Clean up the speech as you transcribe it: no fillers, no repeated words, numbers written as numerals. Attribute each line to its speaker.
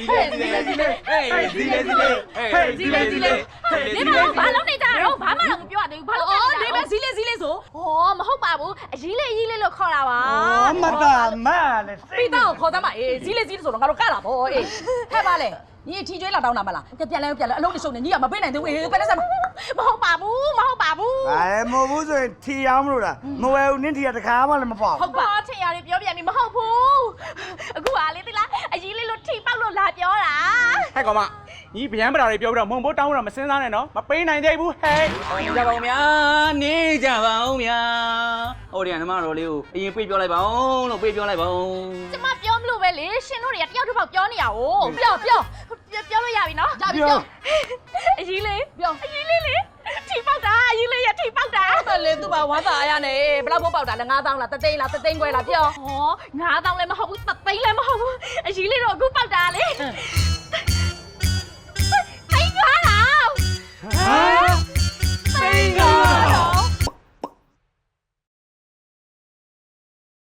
Speaker 1: 你们把老内家然后把马上不要的，把老
Speaker 2: 你们စီလေးဆို
Speaker 1: 哦，မဟုတ်ပါဘူးအရေးလေးလို့ခေါ်တာပါ
Speaker 3: မတာမလေ
Speaker 2: ပိတောင်ခေါ်သမ်းပါအေးစီလေးဆိုတော့ငါတို့ကလာပေါ့အေးဟဲ့ပါလေညီထီကျွေးလာတောင်းတာမလားပြန်လဲအလုံးတရှုံနေညီကမပေးနိုင်သေးဘူးအေးပဲလက်စမ်း
Speaker 1: မဟုတ်ပါဘူး
Speaker 3: အဲမဟုတ်ဘူးဆိုရင်ထီအောင်မလို့လားမဝဲဘူးနင်းထီကတခါမှလည်းမပေါ့
Speaker 1: ဟုတ်ပါထင်ရတယ်ပြောပြန်ပြီမဟုတ်ဘူးအခုဟာလေးသိလားအရေးလေးလို့ထိပေါက်လို့လာပြောတာ
Speaker 4: ဟဲ့ကောင်မညီဗျမ်းပတာတွေပြောပြီးတော့မုံဘိုးတောင်းတော့မစင်းစားနဲ့နော်မပေးနိုင်သေးဘူးဟဲ့
Speaker 5: ကြပါဦးဗျာနေကြပါဦးဗျာဟိုတည်းကနမတော်လေးကိုအရင်ပြေးပြောလိုက်ပါဦးလို့ပြေးပြောလိုက်ပါဦး
Speaker 1: ကျမပြောမလို့ပဲလေရှင်တို့တွေကတယောက်တစ်ပေါက်ပြောနေရအောင်ပြောလို့ရပြီနော်
Speaker 2: ရပြီပြော
Speaker 1: အရေးလေးအရေးလေးလေထိပေါက်တာအရေးလေးရထိပေါက်တာ
Speaker 2: အဲ့လေသူ့ဘာဝါသာအရနဲ့ဘယ်လောက်ဖို့ပေါက်တာလဲ9000လားတသိန်းလားတသိန်းခွဲလားပြော
Speaker 1: ဟော9000လည်းမဟုတ်ဘူး3သိန်းလည်းမဟုတ်ဘူးအရေးလေးတော့အခုပေါက်တာလေ